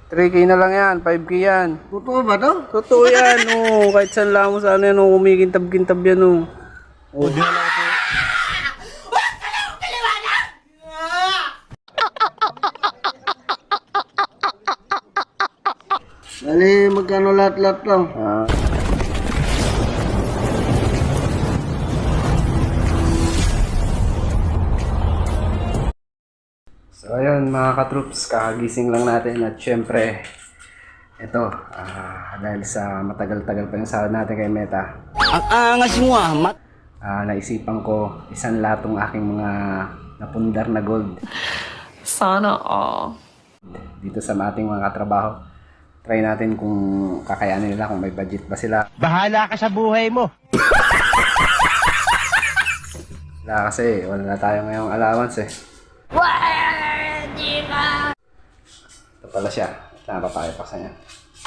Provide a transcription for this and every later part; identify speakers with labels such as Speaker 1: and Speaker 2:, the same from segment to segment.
Speaker 1: 3K na lang yan, 5K yan.
Speaker 2: Totoo ba to?
Speaker 1: Totoo yan, oh. Kahit saan lang mo sana yan, oh. Kumikintab-kintab yan, oh. Oh.
Speaker 2: Bali, magkano lahat-lahat to?
Speaker 1: Ah. So ayun mga katroops, kakagising lang natin at syempre ito, dahil sa matagal-tagal pa yung sahod natin kay Meta,
Speaker 3: Ang angas mo
Speaker 1: naisipan ko isang latong aking mga napundar na gold
Speaker 4: Sana all.
Speaker 1: dito sa ating mga katrabaho. Try natin kung kakayanin nila, kung may budget ba sila.
Speaker 3: Bahala ka sa buhay mo.
Speaker 1: Wala kasi, wala na tayo ngayong allowance eh. Ito pala siya. Napapakipaksa niya.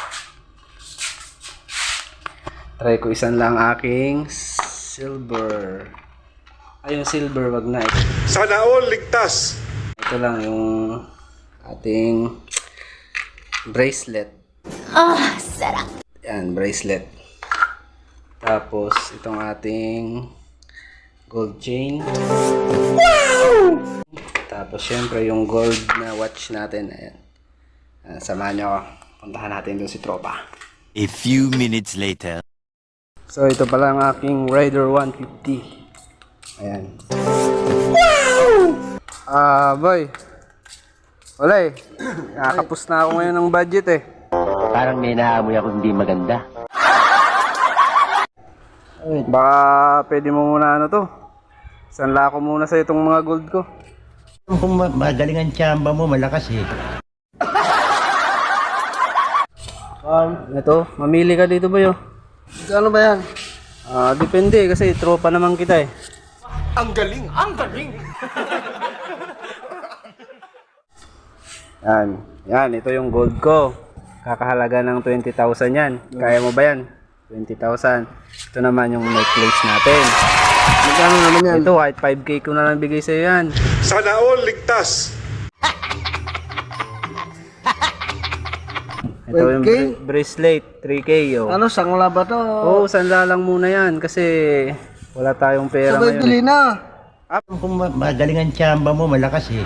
Speaker 1: Try ko isang lang aking silver. Ay, yung silver, wag na.
Speaker 5: Sana all ligtas.
Speaker 1: Ito lang yung ating bracelet.
Speaker 4: Sarap.
Speaker 1: Yan, bracelet. Tapos, itong ating gold chain. Wow! Tapos, syempre, yung gold na watch natin. Ayan. Samahan nyo ako. Puntahan natin doon si Tropa.
Speaker 3: A few minutes later.
Speaker 1: So, ito pala ang aking Rider 150. Ayan. Wow! Boy. Wala eh. Nakakapos na ako ngayon ng budget eh.
Speaker 3: Parang may naamoy ako hindi maganda.
Speaker 1: Baka pwede mo muna ano to. Sanla ko muna sa itong mga gold ko.
Speaker 3: Kung magaling ang tsamba mo, malakas eh.
Speaker 1: Ito, mamili ka dito ba yo?
Speaker 2: Magkano ba yan?
Speaker 1: Depende kasi tropa naman kita eh.
Speaker 5: Ang galing, ang galing.
Speaker 1: Yan. Yan, ito yung gold ko. Kakahalaga ng 20,000 yan. Kaya mo ba yan? 20,000. Ito naman yung necklace natin.
Speaker 2: Magkano naman yan?
Speaker 1: Ito, kahit 5K ko na lang bigay sa'yo yan.
Speaker 5: Sana all ligtas.
Speaker 1: Ito yung
Speaker 2: 12K?
Speaker 1: bracelet, 3K yo.
Speaker 2: Ano, sangla ba to?
Speaker 1: Oo, sanla lang muna yan kasi wala tayong pera
Speaker 2: Sabay
Speaker 1: ngayon.
Speaker 2: bili na.
Speaker 3: Kung magaling ang tsamba mo, malakas eh.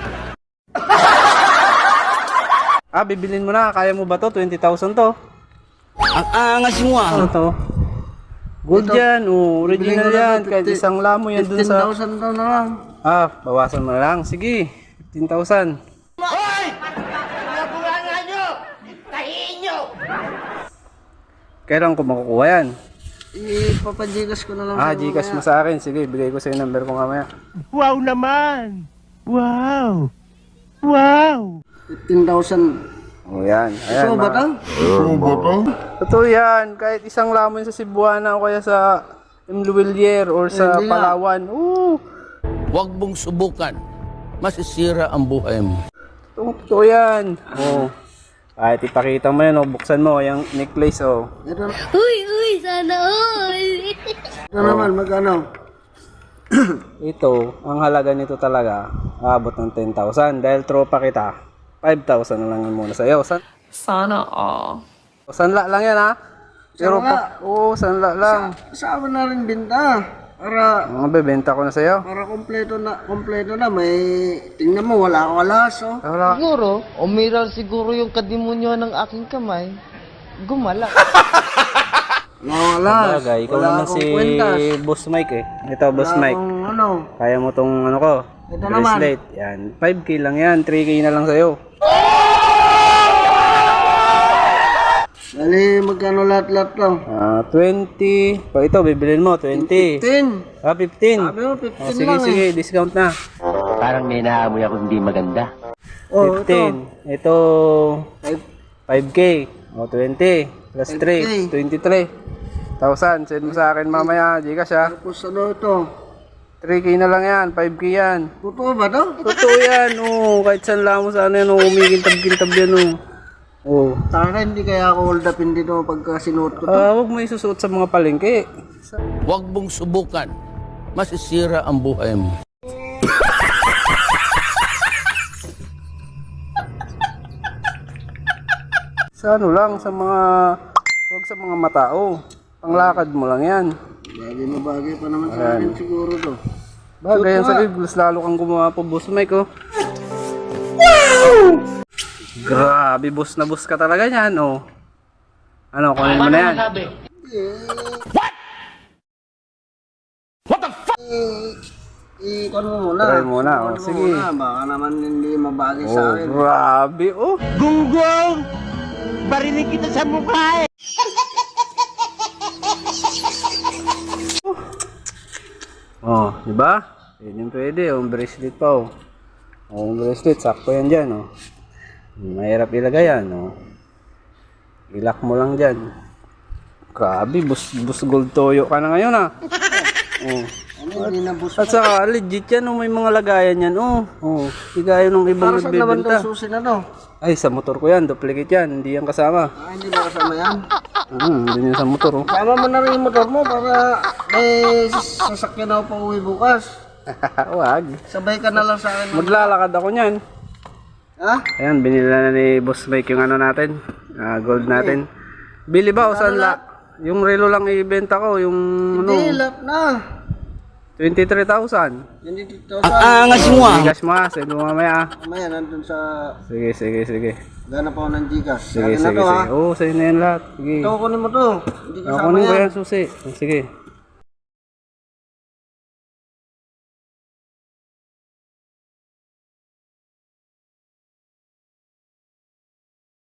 Speaker 1: Bibilin mo na. Kaya mo ba to? 20,000 to.
Speaker 3: Ang angas mo
Speaker 1: Ano to? Gold
Speaker 2: Ito,
Speaker 1: yan.
Speaker 2: bibili
Speaker 1: Original
Speaker 2: ko na
Speaker 1: yan.
Speaker 2: to,
Speaker 1: Kahit
Speaker 2: 50
Speaker 1: isang lamo yan dun sa...
Speaker 2: 15,000 to na lang.
Speaker 1: Bawasan mo na lang. Sige. 15,000. Kailan ko makukuha yan?
Speaker 2: Ipapajigas ko na lang sa'yo
Speaker 1: Gcash mo
Speaker 2: mamaya.
Speaker 1: sa akin. Sige, bigay ko sa yung number ko mamaya.
Speaker 3: Wow naman! Wow! Wow!
Speaker 2: 15,000.
Speaker 1: O yan. Ayan,
Speaker 2: Ito ba to?
Speaker 1: Totoo yan. Kahit isang lamon sa Cebuana o kaya sa Imluwilier or sa
Speaker 2: Hindi nga.
Speaker 1: Palawan. Oo.
Speaker 6: Huwag mong subukan. Masisira ang buhay mo.
Speaker 1: Totoo yan. Oo. Kahit ipakita mo yan, buksan mo yung necklace,
Speaker 2: Ito,
Speaker 4: Uy, sana all.
Speaker 2: ito naman, magkano?
Speaker 1: Ito, ang halaga nito talaga, aabot ng 10,000. Dahil tropa kita, 5,000 na lang yun muna sa'yo.
Speaker 4: Sana all.
Speaker 1: Sanla lang yan, ha? Pero
Speaker 2: Sanla?
Speaker 1: oo, sanla lang.
Speaker 2: Kasama na rin binta. Para
Speaker 1: Bebenta ko na sa'yo.
Speaker 2: kompleto na. May, tingnan mo, wala akong alas, oh.
Speaker 1: Wala.
Speaker 7: Siguro, umiral siguro yung kadimonyo ng aking kamay. Gumala.
Speaker 2: Wala akong alas.
Speaker 1: Bagay, ikaw
Speaker 2: Wala
Speaker 1: naman
Speaker 2: akong
Speaker 1: si
Speaker 2: kwentas.
Speaker 1: Boss Mike eh. Ito, Boss
Speaker 2: Wala
Speaker 1: Mike.
Speaker 2: akong ano.
Speaker 1: Kaya mo tong ano ko,
Speaker 2: Ito naman.
Speaker 1: bracelet. Yan, 5K lang yan, 3K na lang sa'yo.
Speaker 2: Bali, magkano lahat-lahat to?
Speaker 1: 20. Pag ito, bibilin mo, 20.
Speaker 2: 15.
Speaker 1: 15.
Speaker 2: Sabi mo, 15
Speaker 1: Sige,
Speaker 2: lang
Speaker 1: sige, discount na.
Speaker 3: Parang may naamoy ako hindi maganda.
Speaker 2: Oh,
Speaker 1: 15. Ito, 5K. O, 20. Plus 3, 23,000. Send mo sa akin mamaya, Gcash ha.
Speaker 2: Tapos ano ito?
Speaker 1: 3K na lang yan, 5K yan.
Speaker 2: Totoo ba to?
Speaker 1: Totoo yan, kahit saan lang mo sana yan, umigintab-gintab yan,
Speaker 2: Taka hindi kaya ako hold upin dito pagka sinuot ko to.
Speaker 1: Huwag mo isusuot sa mga palengke.
Speaker 6: Huwag mong subukan. Masisira ang buhay mo.
Speaker 1: Sa ano lang, sa mga, huwag sa mga matao. Panglakad mo lang yan.
Speaker 2: Bagay na bagay pa naman sa akin siguro to.
Speaker 1: Bagay yan sa Eagles, lalo kang gumawa po, Boss Mike, oh. Wow! Grabe, boss na boss ka talaga yan, oh. Ano, kunin mo na yan.
Speaker 2: Ikon mo muna.
Speaker 1: Try muna, oh.
Speaker 2: Ikon mo
Speaker 1: Sige.
Speaker 2: muna. Baka naman hindi mabagay sa
Speaker 1: Oh,
Speaker 2: akin.
Speaker 1: grabe, oh.
Speaker 3: Gunggong! Barinig kita sa mukha eh!
Speaker 1: Oh, di ba? Yun yung pwede, oh. Bracelet pa, oh. Oh, bracelet, sakto yan dyan, oh. Mahirap ilagay yan, oh. Ilak mo lang dyan. Grabe, bus gold toyo ka na ngayon, ah. Oh.
Speaker 2: Ano, hindi na bus.
Speaker 1: At saka, legit yan, oh. May mga lagayan yan, oh. Oh, di gaya nung ibang
Speaker 2: Para saan naman
Speaker 1: nagbebenta.
Speaker 2: itong susi na to?
Speaker 1: Ay, sa motor ko yan, duplicate yan, hindi yan kasama.
Speaker 2: Hindi ba kasama yan?
Speaker 1: Hindi yan sa motor, oh.
Speaker 2: Sama mo na rin yung motor mo para may sasakyan ako pa uwi bukas.
Speaker 1: Wag.
Speaker 2: Sabay ka na lang sa akin.
Speaker 1: Maglalakad ako niyan.
Speaker 2: Ha?
Speaker 1: Ayan, binili na ni Boss Mike yung ano natin, gold natin. Bili ba o saan la? Yung relo lang ibenta ko, yung
Speaker 2: Hindi,
Speaker 1: ano,
Speaker 2: lap na.
Speaker 1: 23,000.
Speaker 2: Hindi dito
Speaker 3: Angas mo ah!
Speaker 1: Bigas mo ha, send mo mamaya.
Speaker 2: Mamaya nandun sa...
Speaker 1: Sige.
Speaker 2: Gana pa ako ng Gcash.
Speaker 1: Sige. Oo, sa'yo na yan lahat. Sige.
Speaker 2: Ito, kunin mo to. Hindi kasama
Speaker 1: Kunin ko
Speaker 2: yan.
Speaker 1: yan, susi. Sige.